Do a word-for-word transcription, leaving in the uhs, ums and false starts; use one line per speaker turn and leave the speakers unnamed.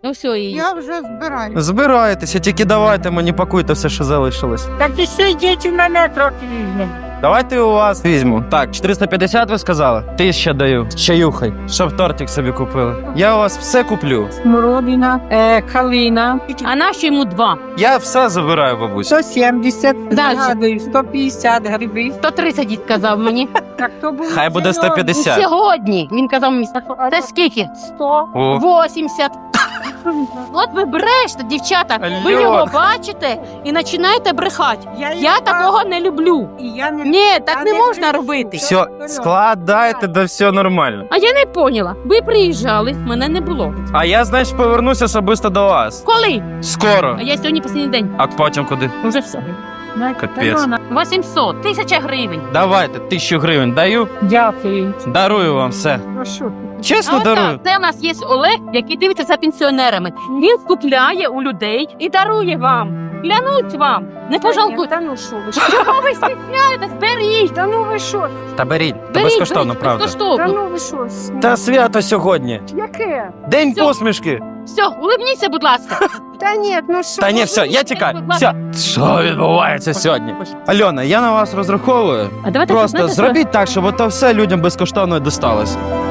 Ну все, і...
Я вже збираю.
Збирайтеся, тільки давайте мені пакуйте все, що залишилось.
Так і ще йдіть у мене трохи візьмемо.
Давайте у вас візьму. Так, чотириста п'ятдесят ви сказали? Ти ще даю. З чаюхай. Щоб тортик собі купили. Я у вас все куплю.
Смородина, е, калина.
А наші йому два.
Я все забираю, бабусь.
сто сімдесят,
Дальше.
згадую, сто п'ятдесят гриби.
сто тридцять дід казав мені.
Так, то було
Хай буде
сьогодні.
сто п'ятдесят.
Сьогодні. Він казав мені, це скільки?
сто.
О,
вісімдесят. От ви брешете, дівчата. Ви
Алло.
його бачите і починаєте брехати.
Я,
Я такого не люблю.
І я не...
Ні,
я
так не можна робити.
все, складайте, да все нормально.
А я не поняла. Ви приїжджали, мене не було.
А я, значить, повернусь особисто до вас.
Коли?
Скоро.
А я сьогодні останній день.
А потім куди?
Уже все.
Капець.
вісімсот, тисяча гривень.
Давайте, тисячу гривень даю.
Дякую.
Дарую вам все.
Ну що ти?
Чесно
А от
дарую.
так, це у нас є Олег, який дивиться за пенсіонерами. Він скупляє у людей і дарує вам. Клянуть вам. Не пожалкуйте.
Та ну що ви?
Чого ви стісняєтесь? Беріть.
Та ну ви що?
Та беріть, та
Беріть,
безкоштовно,
беріть,
правда.
Та
безкоштовно.
ну ви що?
Та свято сьогодні.
Яке?
День
Всьо.
посмішки.
Все, улибніться, будь ласка.
Та ні, ну що?
Та ні, все, я тікаю. Все. Що відбувається сьогодні? Альона, я на вас розраховую.
А давайте
Просто
знаєте, що?
зробіть так, щоб ото все людям безкоштовно досталось.